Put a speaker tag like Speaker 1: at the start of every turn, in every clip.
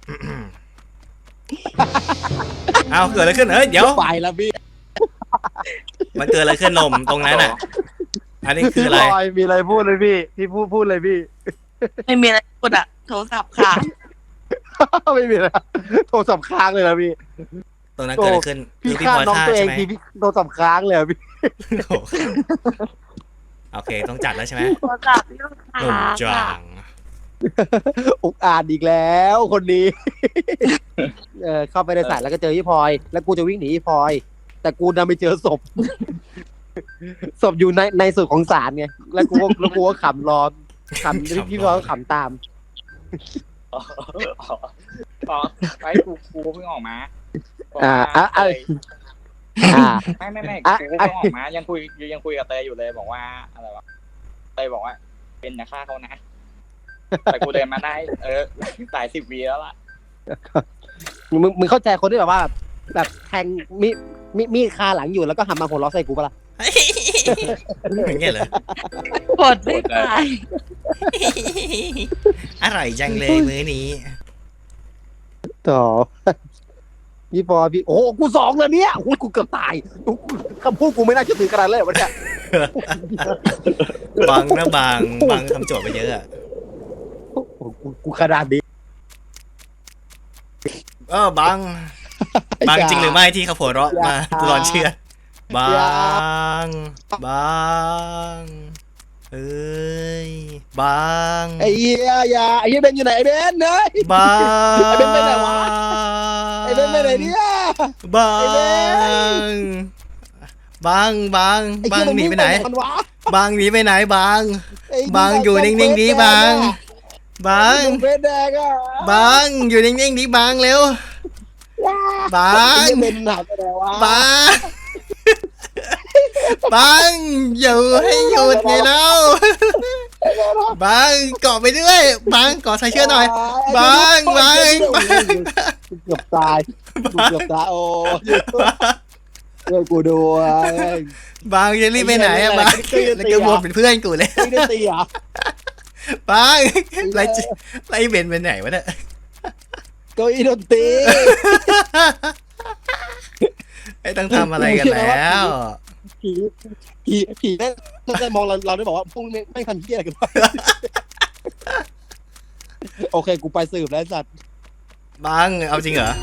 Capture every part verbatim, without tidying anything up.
Speaker 1: เอาเกิดอะไรขึ้นเอ้ยเดี๋ยว
Speaker 2: ไปแล้วพี่
Speaker 1: มันเกิดอะไรขึ้นนมตรงนั้นอ่ะอันนี้คืออะไร
Speaker 2: พี่บอยมีอะไรพูดเลยพี่พี่พูดพูดเลยพี่
Speaker 3: ไม่มีอะไรพูดอะโทรศัพท์ค่ะ
Speaker 2: ไม่มีแล้วโทรศัพท์ค้างเลยนะพี่
Speaker 1: ตรงนั้นเกิดอะไรขึ้น
Speaker 2: พี่
Speaker 1: คือพี่
Speaker 2: ฆ่า
Speaker 1: พลอย
Speaker 2: น้อง
Speaker 1: ฆ่า
Speaker 2: ตัวเอ
Speaker 1: ใช่
Speaker 2: ง
Speaker 1: ไหม
Speaker 2: พี่พี่โทรศัพท์ค้างเลยอะพี่
Speaker 1: โอ้โหโอเคต้องจัดแล้วใช่ไหม
Speaker 3: โทรศัพท์พี่ลูกค้า
Speaker 1: หนุ่มจา
Speaker 3: ค่ะ
Speaker 1: ง
Speaker 2: อุกอาจอีกแล้วคนนี้ เออเข้าไปในสายแล้วก็เจอพี่พลอย แล้วกูจะวิ่งหนีพี่พลอย แต่กูดันไปเจอศพ ศพอยู่ในในสุดของศาลไงแล้วกูก็แล้วกูก็ขำรอขำพี่พลอยก็ขำตาม
Speaker 4: อ๋ออ๋อไอ้กูกูเพิ่งออกมา
Speaker 2: อ่าอ่ะอ่ะ
Speaker 4: เตย
Speaker 2: อ่า
Speaker 4: ไม่ไม่ไม่
Speaker 2: อ่ะ
Speaker 4: กูเพิ่งออกมายังคุยยังคุยกับเตยอยู่เลยบอกว่าอะไรวะเตยบอกว่า เป็นนะฆ่าเขานะแต่กูเดินมาได้ เออสายสิบวีแล้วล่ะ
Speaker 2: มึงมึงเข้าใจคนที่แบบว่า แบบแทงมีมีมีดคาหลังอยู่แล้วก็หันมาหัวเราะใส่กูปะล่ะ
Speaker 1: อย่างเงี้ยเหรอก
Speaker 3: ดไม่ไป
Speaker 1: อร่อยจังเลยมื้อนี้
Speaker 2: ต่อ พี่พลอยพี่โอ้กูสองเลยเนี่ยโอ้ยกูเกือบตายคำพูดกูไม่น่าเชื่อถือขนาดเลยวันเนี้ย
Speaker 1: บังนะบังบังทำโจทย์ไปเยอะอะ
Speaker 2: โอ้โหกูกูขนาดนี้
Speaker 1: เออบังบังจริงหรือไม่ที่เขาหัวเราะมาตอนเชื่อบังบังเอ้ยบัง
Speaker 2: ไอ้เหี้ยอย่าไอ้เหี้ยเบนอยู่ไหนไอ้เบนเฮ้ย
Speaker 1: บัง
Speaker 2: ไอ้เบนไปไหนวะ ไอ้เบนไปไหนเนี่ย
Speaker 1: บัง
Speaker 2: ไอ้เบน
Speaker 1: บังบัง
Speaker 2: อ้
Speaker 1: บั
Speaker 2: เหี้
Speaker 1: ง
Speaker 2: ย
Speaker 1: หนีไปไหน
Speaker 2: มัวะ
Speaker 1: บังหนีไปไหนบัง
Speaker 2: ไอ้
Speaker 1: บังอยู่นิ่งๆดิบัง บัง
Speaker 2: เบนแดงอ่ะ
Speaker 1: บังอยู่นิ่งๆดิบังเร็วบั
Speaker 2: ไอ้
Speaker 1: ง
Speaker 2: เหี้ยเบนหายไปไหนวะ
Speaker 1: บังบังอยู่ให้หยุดไงเล่าบังเกาะไปด้วยบังเกาะใส่เชือกหน่อย บังบังบัง
Speaker 2: เกือบตายกูเกือบตายโอ้ช่วยกูด้วย
Speaker 1: บังจะรีบไปไหนอะบังแล้วก็วนเป็นเพื่อนกูเลย
Speaker 2: ไม่ได้ตีเหรอ
Speaker 1: บังไล่ไล่เบนไปไหนวะเนี่ย
Speaker 2: เก้าอี้ดนตรี
Speaker 1: ไอ้ต้องทำอะไรกันแล้ว
Speaker 2: ผีผีผีแม่งน่าจะมองเราเราได้บอกว่าพวกนี้ไม่งทำเหี้ยอะไรกันวะ โอเคกูไปสืบแล้วสัตว์
Speaker 1: บังเอาจริงเหรอ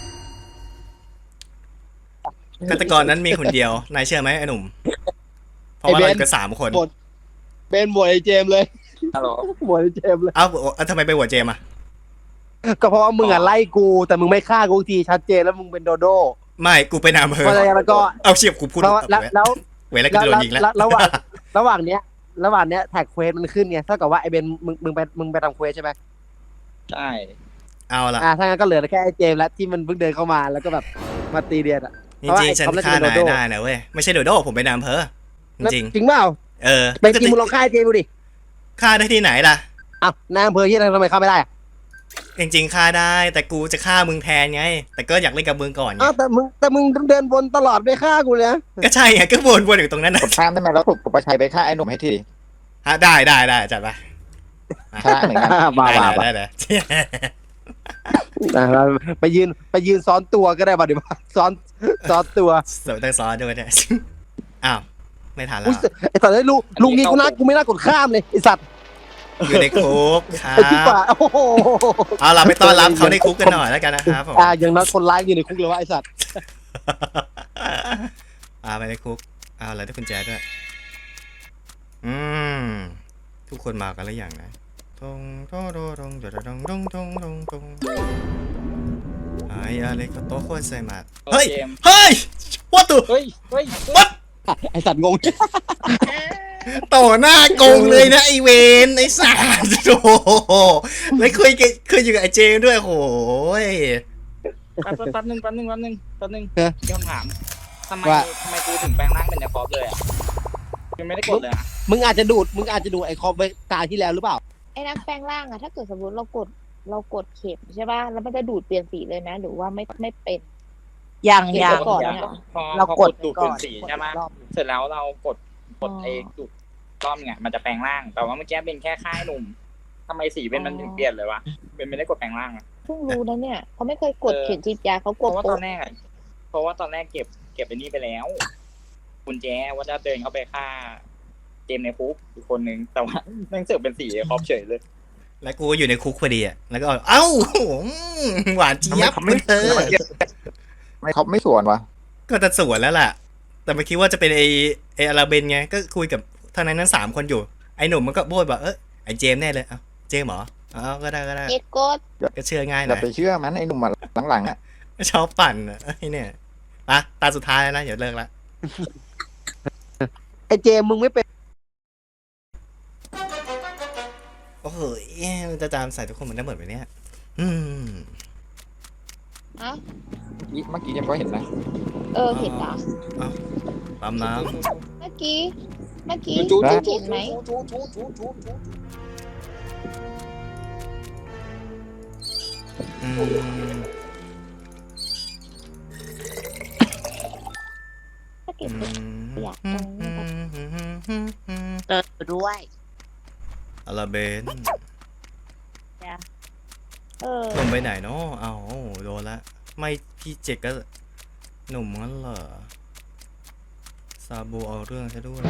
Speaker 1: ฆาตกรนั้นมีคนเดียวนายเชื่อไหมไอ้หนุ่มเพราะว่าเราอยู่กันสามคน
Speaker 2: เป็นบวยไอ้เจมส์เลย
Speaker 4: ฮัลโหล
Speaker 2: บวยไอ้เจมส์เลย
Speaker 1: เอ้าเอาทำไมไปหัวเจมอะ
Speaker 2: ก็เพราะว่ามึงอ่ะไล่กูแต่มึงไม่ฆ่ากูทีชัดเจนแล้วมึงเป็นโดโด้
Speaker 1: ไม่กูไปนำเภอ
Speaker 2: เพราะอะไรแล้วก็
Speaker 1: เอาเชียบกูพูด
Speaker 2: แล้วแล้วแล้ว
Speaker 1: เวลากูจะโดนยิงแล้ว
Speaker 2: ระหว่างระหว่างเนี้ย ระหว่างเนี้ยแท็กเควสมันขึ้นไงเท่ากับว่าไอ้เบนมึงมึงไปมึงไปทำเควสใช่ไหม
Speaker 4: ใช่
Speaker 1: เอาละ
Speaker 2: อ่าถ้างั้นก็เหลือแค่ไอ้เจมส์แล้วที่มันเพิ่งเดินเข้ามาแล้วก็แบบมาตีเดียนอ่ะ
Speaker 1: จริงๆฉันฆ่านายได้นะเว้ยไม่ใช่โดโด้ผมไปนำเภอจริง
Speaker 2: จริงเปล่า
Speaker 1: ๆเออ
Speaker 2: เป็นจริงมึงลองฆ่าไอ้เจมส์ดูดิ
Speaker 1: ฆ่าได้ที่ไหนล่ะ
Speaker 2: อ้าวนายอำเภอที่อะไรทำไมฆ่าไม่ได้อะ
Speaker 1: จริงๆฆ่าได้แต่กูจะฆ่ามึงแทนไง แต่ก็อยากเล่นกับมึงก่อนไง
Speaker 2: อ้าวแต่มึงแต่มึงเดินวนตลอดไม่ฆ่ากูเลยนะ
Speaker 1: ก็ใช่ไงก็วนวนอยู่ตรงนั้นนะ
Speaker 5: กดข้ามได้ไหมแล้วกดประชัยไปฆ่าไอ้หนุ่มให้ที
Speaker 1: ฮะได้ได้ได้จัดไป
Speaker 5: ชนะเหมือนกัน
Speaker 2: บ้า
Speaker 1: ได้
Speaker 2: บ้า
Speaker 1: เลย
Speaker 2: บ้า
Speaker 1: ได้เลย
Speaker 2: ไปยืนไปยืนซ้อนตัวก็ได้ป่ะเดี๋ยว ซ้อนซ้อนตัว
Speaker 1: สวยตั้งซ้อนด้วยเนี่ยอ้าวไม่ทันแล้
Speaker 2: อุ๊
Speaker 1: วย
Speaker 2: ไอ้สัตว์ไอ้ลูกลุงนี้กูน่ากูไม่น่ากดข้ามเลยไอ้สัตว์
Speaker 1: อยู่ในคุกครั
Speaker 2: ไอ้ที่ป่า
Speaker 1: บ
Speaker 2: โอ้โห
Speaker 1: เอาเราไปต้อนรับเขาในคุกกันหน่อยแล้วกันนะครับผม
Speaker 2: อ่าอย่างนั้นคนร้ายอยู่ในคุกเลยวะไอ้สัตว์
Speaker 1: อ่าไปในคุกเอาอะไรได้กุญแจด้วยอืมทุกคนมากันแล้วอย่างนะทงโตโดดงโดดงดงดงดงดงไอ้อะไรก็โตโคตรใส่มาเฮ้ย
Speaker 4: เจมส์
Speaker 1: เฮ้ย what the
Speaker 4: เฮ้ยเฮ้ย
Speaker 1: what
Speaker 2: ไอ้สัตว์งง
Speaker 1: ต่อหน้าโกงเลยนะไอเวนไอสัตว์โอ้โหแล้วเคยเคยอยู่กับไอเจมด้วยโหย
Speaker 4: แป๊บแป๊บนึงแป๊บนึงแป๊บนึงแป๊บนึง
Speaker 2: เออ
Speaker 4: เดี๋ยวถามทำไมทำไมกูถึงแปลงร่างเป็นเนคอปเลยอ่ะยังไม่ได้กดเลยอ่ะ
Speaker 2: มึงอาจจะดูดมึงอาจจะดูไอ้คอมไปตาที่แล้วหรือเปล่า
Speaker 6: ไอ้นักแปลงร่างอะถ้าเกิดสมมติเรากดเรากดเข็มใช่ป่ะแล้วมันจะดูดเปลี่ยนสีเลยนะหรือว่าไม่ไม่เป็น
Speaker 3: อย่าง
Speaker 6: เก็บ
Speaker 3: อย่าง
Speaker 6: ไว้ก่อนเนี่ย
Speaker 4: พอ
Speaker 3: เรา
Speaker 4: พอก
Speaker 3: ด
Speaker 4: ดดูด
Speaker 6: ก่
Speaker 4: เป็
Speaker 6: อน
Speaker 4: นสีใช่ไหม
Speaker 6: กดรอบ
Speaker 4: เสร็จแล้วเรากดกด
Speaker 6: อ๋อ
Speaker 4: เองดูดรอบไงมันจะแปลงร่าง แต่ว่าเมื่อกี้เป็นแค่ค่ายหนุ่มทำไมสีเป็นมันถึงเปลี่ยนเลยวะเป็นไม่ได้กดแปลงร่างอ่ะ
Speaker 6: คืพิ่งรู้นะเนี่ยเขาไม่เคยกดเข็มฉีดยาเขาก
Speaker 4: เพ
Speaker 6: ด
Speaker 4: ราะว่าต
Speaker 6: โป๊ะ
Speaker 4: อนแรกอะเพราะว่าตอนแรกเก็บเก็บไปนี่ไปแล้วกุญแจว่าจะเดินเข้าไปฆ่าเจมส์ในคุกอีกคนนึงแต่ว่าแม่งเสือกเป็นสีครอบเฉยเลย
Speaker 1: แล้วกูอยู่ในคุกพอดีอ่ะแล้วก็เอ้าหวานเจี๊ยบ
Speaker 5: ทำไม
Speaker 1: เธอ
Speaker 5: ไม่เขาไม่สวนวะ
Speaker 1: ก็จะสวนแล้วล่ะ แต่ไม่คิดว่าจะเป็นไอไออาราเบนไงก็คุยกับทางนั้นนั้นสามคนอยู่ไอหนุ่มมันก็โบยบอกเออไอเจมส์แน่เลยเอ้าเจมส์เหรอเอ้าก็ได้ก็ได้
Speaker 6: เอ็ดกด
Speaker 1: ก็เชื่อง่ายห
Speaker 5: อ
Speaker 1: น่
Speaker 5: ย่า
Speaker 1: อย
Speaker 5: ไปเชื่อมันไอ้หนุ่มอะหลังๆอ่ะ
Speaker 1: ชอบปั่นอ่ะไอเนี่ยปะตาสุดท้ายแล้วนะอย่าเลิกละ
Speaker 2: ไอเจมมึงไม่เป็น
Speaker 1: โอ้โหเอ๊ะมันจะจามใส่ทุกคนเหมือนได้เหมือนไปเนี่ยอืม
Speaker 6: อ่ะ
Speaker 5: เมื่อกี้ยังก็เห็นนะ
Speaker 6: เออเห็นเหรอ
Speaker 1: ปั๊มน้
Speaker 6: เมื่อกี้เมื่อกี้
Speaker 4: จู๊
Speaker 6: จู
Speaker 4: จู๊
Speaker 6: เห็นไหม
Speaker 4: จู๊จู๊จู๊จู๊จู๊
Speaker 1: ำอืม
Speaker 6: ถ้าเก็
Speaker 1: อื
Speaker 6: บ
Speaker 1: ม
Speaker 6: อยากตรงนี้แบบ
Speaker 3: เจอด้วย
Speaker 1: อาราเบน
Speaker 6: เออ
Speaker 1: หนุ่มไปไหนเนาะเอ้าโดนละไม่พี่เจกก็หนุ่มงั้นเหรอซาบูเอาเรื่องซะด้วย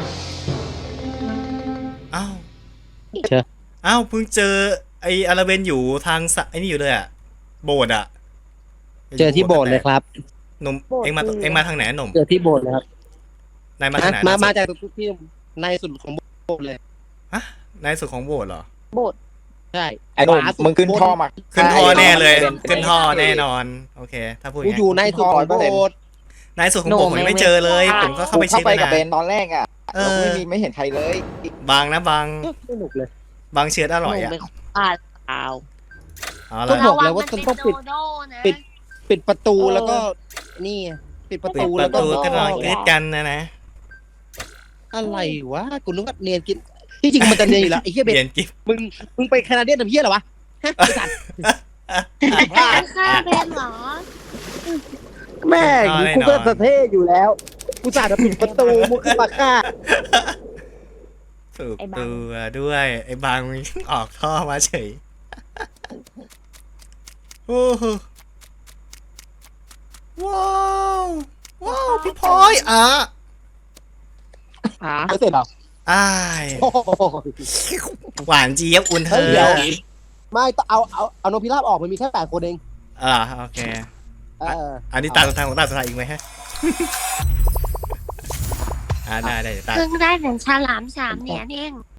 Speaker 1: อ้าว
Speaker 2: เชื่อ
Speaker 1: อ้าวเพิ่งเจอไออาราเบนอยู่ทางสะไอนี่อยู่เลยอะโบสถ์อะ
Speaker 2: เจอที่โบสถ์เลยครับ
Speaker 1: หนุ่มเอ็งมาเอ็งมาทางไหนหนุ่ม
Speaker 2: เจอที่โบสถ์เลยครับ
Speaker 1: นายมาทางไหน
Speaker 2: มา
Speaker 1: ล่
Speaker 2: มา
Speaker 1: สุด
Speaker 2: จากที่ในสุดของโบสถ์เลย
Speaker 1: ฮะนายสุดของโบสถ์เหรอ
Speaker 6: โบด
Speaker 2: ใช่
Speaker 5: ไอ้หนุ่ม
Speaker 2: ขวาสุด
Speaker 5: มึงขึ้นท่อมา
Speaker 1: ขึ้นท่อแน่เลย
Speaker 5: ใช่
Speaker 1: ขึ้นท่อแน่นอน โอเค ถ้าพูดอ
Speaker 2: กู
Speaker 1: ย่าง
Speaker 2: อยู่
Speaker 1: นี้
Speaker 2: ในสุดของโบสถ์
Speaker 1: นายสุดของโบสถ์ผมยังไม่เจอเลย ผมก็เข้า
Speaker 5: กู
Speaker 1: ไป
Speaker 5: เข้า
Speaker 1: เช็ค
Speaker 5: ไป
Speaker 1: แล้ว
Speaker 5: กับเบน
Speaker 1: นะ
Speaker 5: ตอนแรกอ่ะ
Speaker 1: เอ
Speaker 5: เรา
Speaker 1: อ
Speaker 5: ไม่มีไม่เห็นใครเลย
Speaker 1: บางนะบาง
Speaker 2: สนุกเลย
Speaker 1: บางเชื้ออร่อย
Speaker 3: หนู
Speaker 1: อะ
Speaker 3: ไม่อ่านข่าว
Speaker 1: เอา
Speaker 2: ต้
Speaker 1: ละ
Speaker 2: องบอกเลยว่าต้องปิด ปิด ปิดประตูแล้วก็นี่ปิดประ
Speaker 1: ปิด
Speaker 2: ตู
Speaker 1: ป
Speaker 2: แล้ว
Speaker 1: ระ
Speaker 2: ก็
Speaker 1: ตูก็นอนกรีดกันนะนะ
Speaker 2: อะไรวะกูนึกว่าเนียนกินที่จริงมันจะเนียนอยู่แล้วไอ้เหี้ยเบ
Speaker 1: เรีย
Speaker 2: น
Speaker 1: นกิฟ
Speaker 2: มึงมึงไปแคนาเดียนทำเหี้ยเหรอวะฮะไอ้สัตว์
Speaker 3: ค่าเบนเหรอ
Speaker 2: แม่งกูก็สะเท่อยู่แล้วกูจ่าจะปิดประตูมึงขึ้นมาฆ่า
Speaker 1: ถูกตัวด้วยไอ้บางมันออกท่อมาเฉยโอ้โหว้าวว้าวพี่พลอยอ่ะ
Speaker 3: อ่ะ
Speaker 2: ไม่เสร็จเหรอ
Speaker 1: อ้าย
Speaker 2: โอ้โห
Speaker 1: หวานเจี๊ยบอุ่นเธ
Speaker 2: เฮ้ย
Speaker 1: อ
Speaker 2: เดี๋ยว ไม่ต้องเอาเอาเอาโนพิราบออกมันมีแค่แปดคนเอง
Speaker 1: อ่าโอเค
Speaker 2: เออ
Speaker 1: อันนี้ตาสุดท้ายของตาสุดท้ายอีกไหมฮะ อ่าได้ได้เดี๋ยวตา
Speaker 7: เพิ่งได้เหรียญฉลามสามเหรียญเอง